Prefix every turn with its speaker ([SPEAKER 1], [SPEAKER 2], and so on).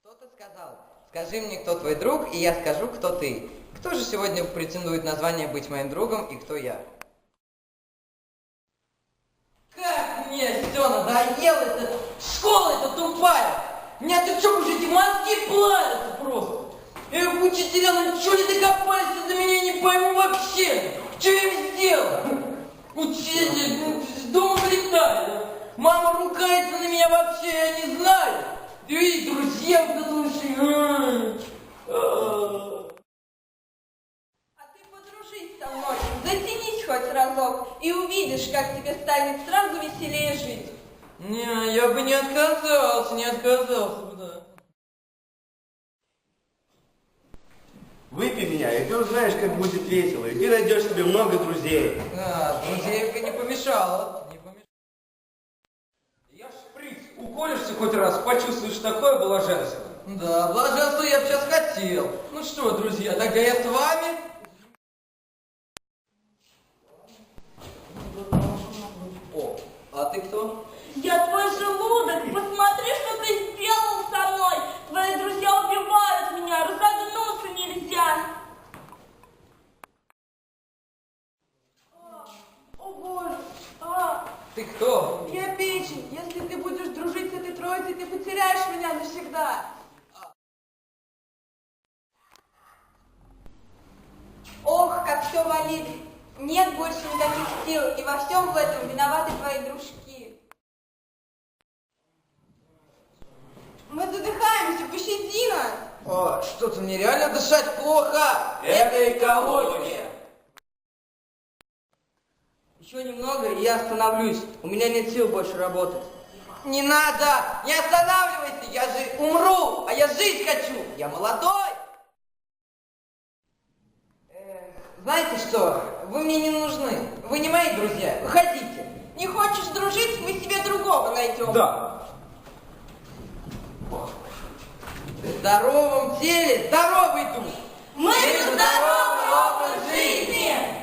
[SPEAKER 1] Кто-то сказал: скажи мне, кто твой друг, и я скажу, кто ты. Кто же сегодня претендует на звание быть моим другом, и кто я? Как мне все надоело, это школа эта тупая! Меня тут что, уже эти мозги плавятся просто! Эх, учителя, ну что не докопались до меня, не пойму вообще! Что я им сделал? Учитель, ну, с дома вылетает. Мама ругается на меня вообще, я не знаю. И друзья, послушай.
[SPEAKER 2] А ты подружись со мной, затянись хоть разок, и увидишь, как тебе станет сразу веселее жить.
[SPEAKER 1] Не, я бы не отказался бы, да.
[SPEAKER 3] Выпей меня, и ты узнаешь, как будет весело, и ты найдешь себе много друзей.
[SPEAKER 1] А, друзейка не помешала.
[SPEAKER 4] Я шприц. Уколешься хоть раз, почувствуешь такое блаженство.
[SPEAKER 1] Да, блаженство я бы сейчас хотел. Ну что, друзья, тогда я с вами. О, а ты кто?
[SPEAKER 2] Я твой желудок, посмотри, что ты сделал со мной. Твои друзья убивают меня, разогнуться нельзя. О боже,
[SPEAKER 1] Ты кто?
[SPEAKER 2] я печень. Если ты будешь дружить с этой троицей, ты потеряешь меня навсегда. Ох, как все болит. Нет больше никаких сил, и во всем в этом виноваты твои дружки. Мы задыхаемся, пощади нас.
[SPEAKER 1] О, что-то мне реально дышать плохо.
[SPEAKER 4] Это экология.
[SPEAKER 5] Еще немного, и я остановлюсь. У меня нет сил больше работать.
[SPEAKER 1] Не надо, не останавливайся, я же умру, а я жить хочу. Я молодой. Знаете что, вы мне не нужны, вы не мои друзья, выходите.
[SPEAKER 2] Не хочешь дружить, мы себе другого найдем.
[SPEAKER 4] Да.
[SPEAKER 1] В здоровом теле здоровый дух.
[SPEAKER 2] Мы за здоровый образ жизни!